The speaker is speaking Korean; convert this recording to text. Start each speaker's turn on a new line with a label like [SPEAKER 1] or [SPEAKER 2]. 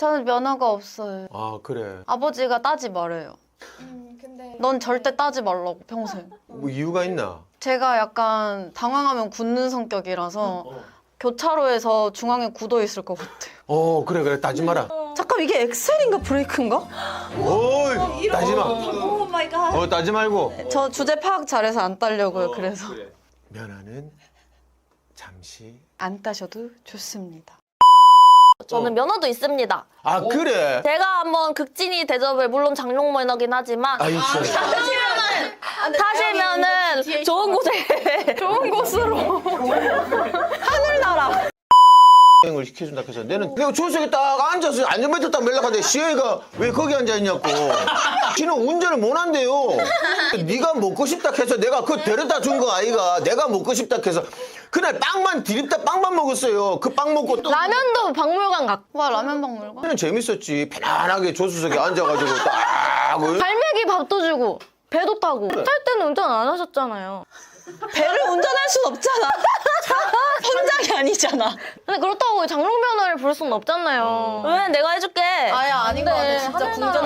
[SPEAKER 1] 저는 면허가 없어요.
[SPEAKER 2] 아 그래.
[SPEAKER 1] 아버지가 따지 말아요.
[SPEAKER 3] 근데
[SPEAKER 1] 넌 절대 따지 말라고 평생.
[SPEAKER 2] 뭐 이유가 있나?
[SPEAKER 1] 제가 약간 당황하면 굳는 성격이라서 교차로에서 중앙에 굳어 있을 것 같아요.
[SPEAKER 2] 그래 따지 마라.
[SPEAKER 1] 잠깐 이게 엑셀인가 브레이크인가?
[SPEAKER 2] 어이 따지 마.
[SPEAKER 3] 오 마이 갓.
[SPEAKER 2] 따지 말고.
[SPEAKER 1] 저 주제 파악 잘해서 안 따려고요. 그래서
[SPEAKER 2] 면허는 잠시.
[SPEAKER 1] 안 따셔도 좋습니다.
[SPEAKER 4] 저는 면허도 있습니다.
[SPEAKER 2] 아 그래.
[SPEAKER 4] 제가 한번 극진이 대접을 물론 장롱 면허긴 하지만
[SPEAKER 2] 아이
[SPEAKER 4] 타시면은 좋은 곳에
[SPEAKER 1] 좋은 곳으로 하늘나라.
[SPEAKER 2] 여행을 시켜준다 해서 내가 조수석에 딱 앉아서 안전벨트 딱 매려가는데 시영이가 왜 거기 앉아있냐고. 지는 운전을 못 한대요. 네가 먹고 싶다 해서 내가 그거 데려다 준 거 아이가. 내가 먹고 싶다 해서 그날 빵만 디립다 빵만 먹었어요. 그 빵 먹고 또
[SPEAKER 4] 라면도 박물관 갔고
[SPEAKER 1] 와 라면 박물관?
[SPEAKER 2] 그냥 재밌었지. 편안하게 조수석에 앉아가지고 딱
[SPEAKER 4] 갈매기 밥도 주고 배도 타고 탈 때는 운전 안 하셨잖아요.
[SPEAKER 1] 배를 운전할 순 없잖아. 혼장이 아니잖아.
[SPEAKER 4] 근데 그렇다고 장롱 면허를 부를 수는 없잖아요. 왜 내가 해줄게.
[SPEAKER 1] 아예 아닌 것 같아. 진짜 궁전.